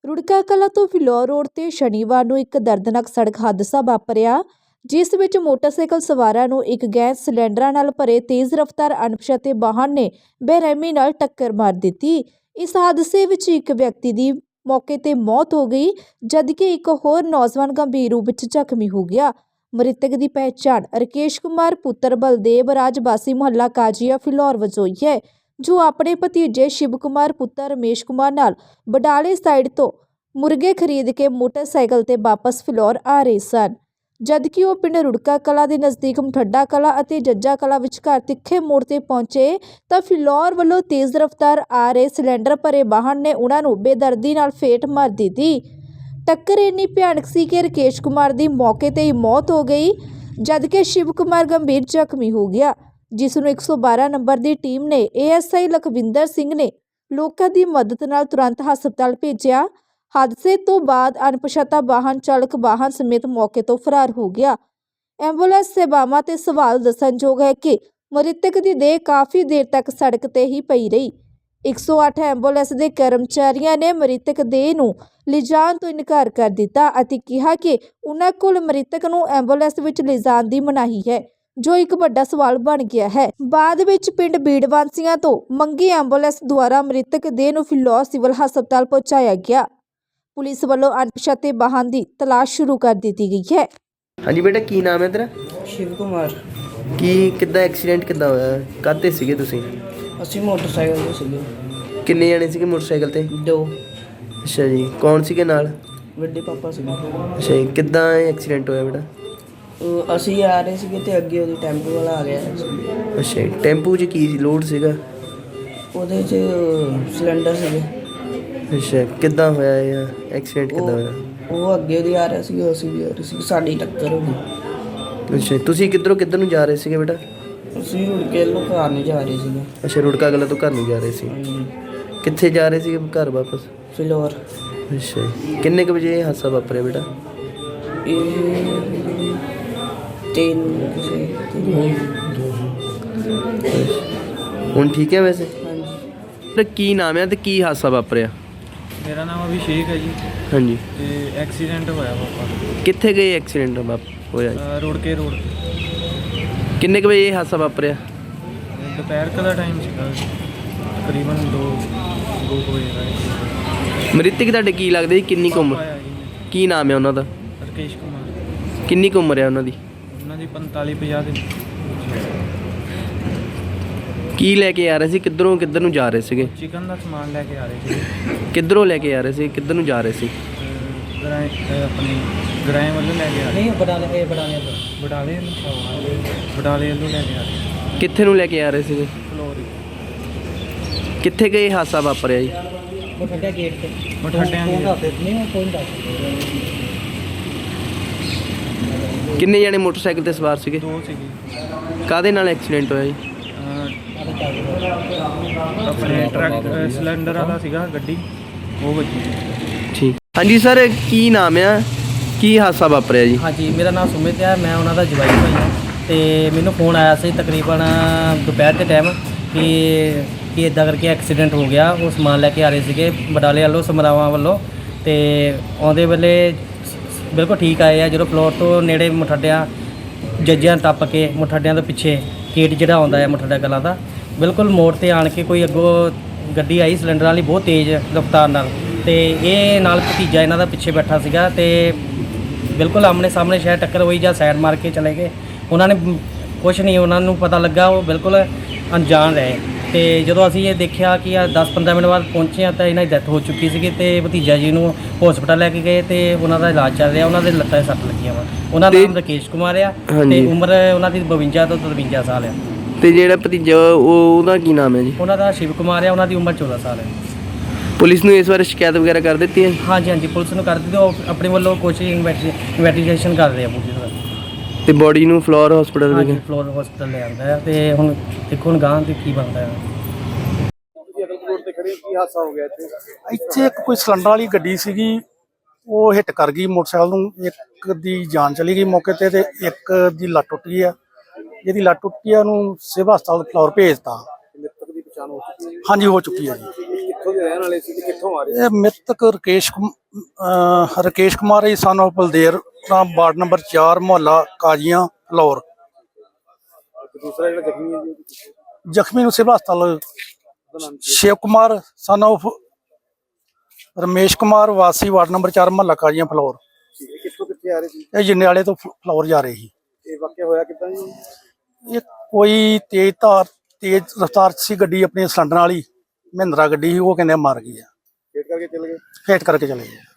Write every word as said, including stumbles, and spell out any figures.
रुड़का कला तो फिलौर रोड ते शनिवार ਨੂੰ ਇੱਕ ਦਰਦਨਾਕ ਸੜਕ ਹਾਦਸਾ ਵਾਪਰਿਆ ਜਿਸ ਵਿੱਚ ਮੋਟਰਸਾਈਕਲ ਸਵਾਰਾਂ ਨੂੰ ਇੱਕ ਗੈਸ ਸਿਲੰਡਰਾਂ ਨਾਲ ਭਰੇ ਤੇਜ਼ ਰਫ਼ਤਾਰ ਅਣਪਛਾਤੇ ਵਾਹਨ ਨੇ ਬੇਰਹਿਮੀ ਨਾਲ ਟੱਕਰ ਮਾਰ ਦਿੱਤੀ। ਇਸ ਹਾਦਸੇ ਵਿੱਚ ਇੱਕ ਵਿਅਕਤੀ ਦੀ ਮੌਕੇ ਤੇ ਮੌਤ ਹੋ ਗਈ ਜਦਕਿ ਇੱਕ ਹੋਰ ਨੌਜਵਾਨ ਗੰਭੀਰ ਰੂਪ ਵਿੱਚ ਜ਼ਖਮੀ ਹੋ ਗਿਆ। ਮ੍ਰਿਤਕ ਦੀ ਪਹਿਚਾਣ ਰਕੇਸ਼ ਕੁਮਾਰ ਪੁੱਤਰ ਬਲਦੇਵ ਰਾਜ ਵਾਸੀ ਮੁਹੱਲਾ ਕਾਜੀਆ ਫਿਲੌਰ ਵਜੋਂ ਹੋਈ ਹੈ ਜੋ ਆਪਣੇ ਭਤੀਜੇ शिव कुमार पुत्र रमेश कुमार नाल बडाले साइड तो मुर्गे खरीद के मोटरसाइकिल ते वापस फिलौर आ रहे सन जबकि वो पिंड रुड़का कला के नज़दीक मठड्डा कला और जज्जा कला विचकार तिखे मोड़ ते पहुंचे तो फिलौर वालों तेज़ रफ्तार आ रहे सिलेंडर भरे वाहन ने उन्होंने बेदर्दी नाल फेट मार दी थी। टक्कर इन्नी भयानक सी कि रकेश कुमार की मौके ते ही मौत हो गई जबकि शिव कुमार गंभीर जख्मी हो गया जिस ਨੂੰ एक सौ बारह नंबर ਦੀ ਟੀਮ ਨੇ A S I Lakhwinder Singh ਨੇ ਲੋਕਾਂ ਦੀ ਮਦਦ ਨਾਲ ਤੁਰੰਤ ਹਸਪਤਾਲ ਭੇਜਿਆ। ਹਾਦਸੇ ਤੋਂ ਬਾਅਦ ਅਣਪਛਾਤਾ ਵਾਹਨ ਚਾਲਕ ਵਾਹਨ ਸਮੇਤ ਮੌਕੇ ਤੋਂ ਫਰਾਰ ਹੋ ਗਿਆ। ਐਂਬੂਲੈਂਸ ਸੇਵਾਵਾਂ ਤੇ ਸਵਾਲ ਦੱਸਣਯੋਗ ਹੈ ਕਿ ਮ੍ਰਿਤਕ ਦੀ ਦੇਹ ਕਾਫੀ ਦੇਰ ਤੱਕ ਸੜਕ ਤੇ ਹੀ ਪਈ ਰਹੀ। एक सौ आठ ਐਂਬੂਲੈਂਸ ਦੇ ਕਰਮਚਾਰੀਆਂ ਨੇ ਮ੍ਰਿਤਕ ਦੇਹ ਨੂੰ ਲਿਜਾਣ ਤੋਂ ਇਨਕਾਰ ਕਰ ਦਿੱਤਾ ਅਤੇ ਕਿਹਾ ਕਿ ਉਹਨਾਂ ਕੋਲ ਮ੍ਰਿਤਕ ਨੂੰ ਐਂਬੂਲੈਂਸ ਵਿੱਚ ਲਿਜਾਣ ਦੀ ਮਨਾਹੀ ਹੈ जो एक बड़ा सवाल बन गया है। बाद विच पिंड बीड़ वासियों तो मंगी एंबूलेंस द्वारा मृतक देह नूं फिलौर सिविल हस्पताल पहुंचाया गया। पुलिस वालों अणपछाते वाहन की तलाश शुरू कर दी गई है। हाँ जी बेटा, की नाम है तेरा? शिव कुमार। की किद्दां एक्सीडेंट किद्दां होया? काहते सीगे तुसीं? ਅਸੀਂ मोटरसाइकिल ਤੇ ਸੀਗੇ। किन्ने जने सीगे मोटरसाइकिल ते? ਦੋ। अच्छा जी, कौन सीगे नाल? ਵੱਡੇ ਪਾਪਾ ਸੀਗੇ। अच्छा जी, किद्दां एक्सीडेंट होया बेटा? ਉਹ ਅਸੀਂ ਆ ਰਹੇ ਸੀਗੇ ਤੇ ਅੱਗੇ ਉਹਦੀ ਟੈਂਪੂ ਵਾਲਾ ਆ ਗਿਆ। अच्छा जी, टेंपू च की लोड सीगा? ਉਹਦੇ 'ਚ ਸਿਲੰਡਰ ਸੀਗੇ। अच्छा, किद्दां होया ਇਹ एक्सीडेंट किद्दां होया? ਉਹ ਅੱਗੇ ਉਹਦੀ ਆ ਰਿਹਾ ਸੀਗਾ, ਅਸੀਂ ਵੀ ਆ ਰਹੇ ਸੀ, ਸਾਡੀ ਟੱਕਰ ਹੋ ਗਈ। अच्छा, ਤੁਸੀਂ ਕਿੱਧਰੋਂ ਕਿੱਧਰ ਨੂੰ ਜਾ ਰਹੇ ਸੀਗੇ ਬੇਟਾ? ਅਸੀਂ ਰੁੜ ਕੇ ਨੂੰ ਘਰ ਨਹੀਂ ਜਾ ਰਹੇ ਸੀਗੇ। ਅੱਛਾ, ਰੁੜਕਾ ਕਲਾ ਤੋਂ ਘਰ ਨੂੰ ਜਾ ਰਹੇ ਸੀ। ਕਿੱਥੇ ਜਾ ਰਹੇ ਸੀਗੇ ਘਰ ਵਾਪਸ? ਫਿਲੌਰ। ਅੱਛਾ ਜੀ, ਕਿੰਨੇ ਕੁ ਵਜੇ ਇਹ ਹਾਦਸਾ ਵਾਪਰਿਆ ਬੇਟਾ? ਇਹ ਤਿੰਨ ਕਿਸੇ ਹੁਣ ਠੀਕ ਹੈ ਵੈਸੇ? ਹਾਂਜੀ। ਤੇ ਕੀ ਨਾਮ ਹੈ ਤੇ ਕੀ ਹਾਦਸਾ ਵਾਪਰਿਆ? ਮੇਰਾ ਨਾਮ ਅਭਿਸ਼ੇਕ ਹੈ ਜੀ। ਹਾਂਜੀ। ਤੇ ਐਕਸੀਡੈਂਟ ਹੋਇਆ ਪਾਪਾ। ਕਿੱਥੇ ਗਏ ਐਕਸੀਡੈਂਟ ਵਾਪ ਹੋਇਆ ਜੀ? ਰੁੜਕੇ ਰੋਡ ਕਿੰਨੇ ਕੁ ਵਜੇ ਇਹ ਹਾਦਸਾ ਵਾਪਰਿਆ? ਦੁਪਹਿਰ ਕੁ ਦਾ ਟਾਈਮ ਸੀਗਾ, ਤਕਰੀਬਨ ਦੋ ਦੋ ਕੁ ਵਜੇ ਦਾ। ਮ੍ਰਿਤਕ ਤੁਹਾਡੇ ਕੀ ਲੱਗਦੇ ਜੀ? ਕਿੰਨੀ ਕੁ ਉਮਰ? ਪਾਪਾ ਆ ਜੀ, ਕੀ ਨਾਮ ਹੈ ਉਹਨਾਂ ਦਾ? ਰਕੇਸ਼ ਕੁਮਾਰ। ਕਿੰਨੀ ਕੁ ਉਮਰ ਹੈ ਉਹਨਾਂ ਦੀ? ਉਹਨਾਂ ਦੀ ਪੰਤਾਲੀ ਪੰਜਾਹ ਦੇ। ਕੀ ਲੈ ਕੇ ਆ ਰਹੇ ਸੀ? ਕਿੱਧਰੋਂ ਕਿੱਧਰ ਨੂੰ ਜਾ ਰਹੇ ਸੀਗੇ? ਚਿਕਨ ਦਾ ਸਮਾਨ ਲੈ ਕੇ ਆ ਰਹੇ ਸੀ। ਕਿੱਧਰੋਂ ਲੈ ਕੇ ਆ ਰਹੇ ਸੀ? ਕਿੱਧਰ ਨੂੰ ਜਾ ਰਹੇ ਸੀ? ਗਰਾਏ ਆਪਣੀ ਗਰਾਏ ਵੱਲੋਂ ਲੈ ਕੇ ਆ ਰਹੇ। ਨਹੀਂ ਬਟਾਲੇ ਇਹ ਬਟਾਲੇ ਬਟਾਲੇ ਵੱਲੋਂ ਬਟਾਲੇ ਵੱਲੋਂ ਲੈ ਕੇ ਆ ਰਹੇ। ਕਿੱਥੇ ਨੂੰ ਲੈ ਕੇ ਆ ਰਹੇ ਸੀਗੇ? ਫਲੋਰ। ਕਿੱਥੇ ਗਏ ਹਾਦਸਾ ਵਾਪਰਿਆ ਜੀ? ਮਠੱਡਾ ਗੇਟ ਤੇ। ਮਠੱਡਿਆਂ ਦੀ ਨਹੀਂ ਕੋਈ ਦੱਸ। ਕਿੰਨੇ ਜਣੇ ਮੋਟਰਸਾਈਕਲ ਤੇ ਸਵਾਰ ਸੀਗੇ? ਦੋ ਸੀਗੇ। ਕਾਹਦੇ ਨਾਲ ਐਕਸੀਡੈਂਟ ਹੋਇਆ ਜੀ? ਆਪਣੇ ਟਰੱਕ ਸਿਲੰਡਰ ਵਾਲਾ ਸੀਗਾ ਗੱਡੀ, ਉਹ ਵੱਜੀ। ਠੀਕ। ਹਾਂਜੀ ਸਰ, ਕੀ ਨਾਮ ਆ? ਕੀ ਹਾਦਸਾ ਵਾਪਰਿਆ ਜੀ? ਹਾਂਜੀ, ਮੇਰਾ ਨਾਮ ਸੁਮਿਤ ਹੈ, ਮੈਂ ਉਹਨਾਂ ਦਾ ਜਵਾਈ ਭਾਈ ਹਾਂ। ਤੇ ਮੈਨੂੰ ਫੋਨ ਆਇਆ ਸੀ ਤਕਰੀਬਨ ਦੁਪਹਿਰ ਦੇ ਟਾਈਮ ਕਿ ਕਿ ਇੱਦਾਂ ਕਰਕੇ ਐਕਸੀਡੈਂਟ ਹੋ ਗਿਆ। ਉਹ ਸਮਾਨ ਲੈ ਕੇ ਆ ਰਹੇ ਸੀਗੇ ਬਡਾਲੇ ਵੱਲੋਂ, ਸਮਰਾਵਾਂ ਵੱਲੋਂ। ਤੇ ਆਉਂਦੇ ਵੇਲੇ ਬਿਲਕੁਲ ਠੀਕ ਆਏ ਆ। ਜਦੋਂ ਫਲੋਰ ਤੋਂ ਨੇੜੇ ਮੁਠੱਡਿਆਂ ਜੱਜਿਆਂ ਟੱਪ ਕੇ ਮੁਠੱਡਿਆਂ ਤੋਂ ਪਿੱਛੇ ਗੇਟ ਜਿਹੜਾ ਆਉਂਦਾ ਹੈ ਮੁਠੱਡਾ ਕਲਾਂ ਦਾ, ਬਿਲਕੁਲ ਮੋੜ ਤੇ ਆਣ ਕੇ ਕੋਈ ਅੱਗੋਂ ਗੱਡੀ ਆਈ ਸਿਲੰਡਰ ਵਾਲੀ ਬਹੁਤ ਤੇਜ਼ ਰਫ਼ਤਾਰ ਨਾਲ, ਤੇ ਇਹ ਨਾਲ ਭਤੀਜਾ ਇਹਨਾਂ ਦਾ ਪਿੱਛੇ ਬੈਠਾ ਸੀਗਾ ਤੇ ਬਿਲਕੁਲ ਆਮਣੇ ਸਾਹਮਣੇ ਸ਼ਾਇਦ ਟੱਕਰ ਹੋਈ ਜਾਂ ਸਾਈਡ ਮਾਰ ਕੇ ਚਲੇ ਗਏ। ਉਹਨਾਂ ਨੇ ਕੁਛ ਨਹੀਂ ਉਹਨਾਂ ਨੂੰ ਪਤਾ ਲੱਗਾ, ਉਹ ਬਿਲਕੁਲ ਅਣਜਾਣ ਰਹੇ। ਤੇ ਜਦੋਂ ਅਸੀਂ ਇਹ ਦੇਖਿਆ ਕਿ ਆ ਦਸ ਪੰਦਰਾਂ ਮਿੰਟ ਬਾਅਦ ਪਹੁੰਚੇ ਹਾਂ ਤਾਂ ਇਹਨਾਂ ਦੀ ਡੈਥ ਹੋ ਚੁੱਕੀ ਸੀਗੀ ਤੇ ਭਤੀਜਾ ਜੀ ਨੂੰ ਹਸਪਤਾਲ ਲੈ ਕੇ ਗਏ ਤੇ ਉਹਨਾਂ ਦਾ ਇਲਾਜ ਚੱਲ ਰਿਹਾ। ਉਹਨਾਂ ਦੇ ਲੱਤਾਂ 'ਤੇ ਸੱਟ ਲੱਗੀਆਂ ਵਾ। ਉਹਨਾਂ ਦਾ ਨਾਮ ਰਕੇਸ਼ ਕੁਮਾਰ ਆ ਤੇ ਉਮਰ ਉਹਨਾਂ ਦੀ ਬਵੰਜਾ ਤੋਂ ਤਰਵੰਜਾ ਸਾਲ ਆ। ਤੇ ਜਿਹੜਾ ਭਤੀਜਾ ਉਹ ਉਹਦਾ ਕੀ ਨਾਮ ਹੈ ਜੀ? ਉਹਨਾਂ ਦਾ ਸ਼ਿਵ ਕੁਮਾਰ ਆ, ਉਹਨਾਂ ਦੀ ਉਮਰ ਚੌਦਾਂ ਸਾਲ ਹੈ। ਪੁਲਿਸ ਨੂੰ ਇਸ ਬਾਰੇ ਸ਼ਿਕਾਇਤ ਵਗੈਰਾ ਕਰ ਦਿੱਤੀ ਹੈ? ਹਾਂਜੀ ਹਾਂਜੀ, ਪੁਲਿਸ ਨੂੰ ਕਰ ਦਿੱਤੀ। ਉਹ ਆਪਣੇ ਵੱਲੋਂ ਕੋਸ਼ਿਸ਼ ਇਨਵੈਸਟੀਗੇਸ਼ਨ ਕਰ ਰਹੇ ਆ ਪੁਲਿਸ। ਤੇ ਬੋਡੀ ਨੂੰ ਫਲੋਰ ਹਸਪੀਟਲ ਹਾਂਜੀ, ਫਲੋਰ ਹਸਪਤਾਲ ਲੈ ਆਂਦਾ ਹੈ ਤੇ ਹੁਣ ਦੇਖੋ ਹੁਣ ਗਾਂ ਤੇ ਕੀ ਬਣਦਾ ਹੈ। ਇੱਥੇ ਇੱਕ ਕੋਈ ਸਿਲੰਡਰ ਵਾਲੀ ਗੱਡੀ ਸੀਗੀ, ਉਹ ਹਿੱਟ ਕਰ ਗਈ ਮੋਟਰਸਾਈਕਲ ਨੂੰ। ਇੱਕ ਦੀ ਜਾਨ ਚਲੀ ਗਈ ਮੌਕੇ ਤੇ ਤੇ ਇੱਕ ਦੀ ਲੱਤ ਟੁੱਟ ਗਈ ਆ। ਜਿਹਦੀ ਲੱਤ ਟੁੱਟ ਗਈ ਆ ਉਹਨੂੰ ਸਿਵਲ ਹਸਪਤਾਲ ਫਲੋਰ ਭੇਜਤਾ। ਹਾਂਜੀ, ਹੋ ਚੁੱਕੀ ਹੈ ਜੀ। ਕਿੱਥੋਂ ਦੇ ਰਹਿਣ ਵਾਲੇ ਸੀ ਤੇ ਕਿੱਥੋਂ ਆ ਰਹੇ ਇਹ ਮ੍ਰਿਤਕ ਰਕੇਸ਼ ਕੁਮ- ਅਹ ਰਕੇਸ਼ ਕੁਮਾਰ ਜੀ ਸਾਨੂੰ ਬਲਦੇਵ ਰਾਮ ਵਾਰਡ ਨੰਬਰ ਚਾਰ ਮੁਹੱਲਾ ਕਾਜੀਆਂ ਫਲੌਰ। ਸੀ? ਦੂਸਰਾ ਜਿਹੜਾ ਜ਼ਖਮੀ ਹੈ ਜੀ ਜ਼ਖਮੀ ਨੂੰ ਸਿਵਲ ਹਸਪਤਾਲ ਸ਼ਿਵ ਕੁਮਾਰ ਸਾਨੂੰ ਰਮੇਸ਼ ਕੁਮਾਰ ਵਾਸੀ ਵਾਰਡ ਨੰਬਰ ਚਾਰ ਮੁਹੱਲਾ ਕਾਜੀਆਂ ਫਲੌਰ। ਇਹ ਕਿੱਥੋਂ ਕਿੱਥੇ ਆ ਰਹੇ ਸੀ? ਇਹ ਜੰਡਿਆਲੇ ਤੋਂ ਫ- ਫਲੌਰ ਜਾ ਰਹੇ ਸੀ। ਇਹ ਵਾਕਿਆ ਹੋਇਆ ਕਿੱਦਾਂ ਜੀ? ਇਹ ਕੋਈ ਤੇਜ਼ ਧਾਰ ਤੇਜ਼ ਰਫ਼ਤਾਰ 'ਚ ਸੀ ਗੱਡੀ, ਆਪਣੀ ਸਿਲੰਡਰ ਵਾਲੀ ਮਹਿੰਦਰਾ ਗੱਡੀ ਸੀ, ਉਹ ਕਹਿੰਦੇ ਮਾਰ ਗਈ ਆ, ਵੇਟ ਕਰਕੇ ਚੱਲ ਗਏ। ਫੇਟ ਕਰਕੇ ਚਲੇ ਗਏ।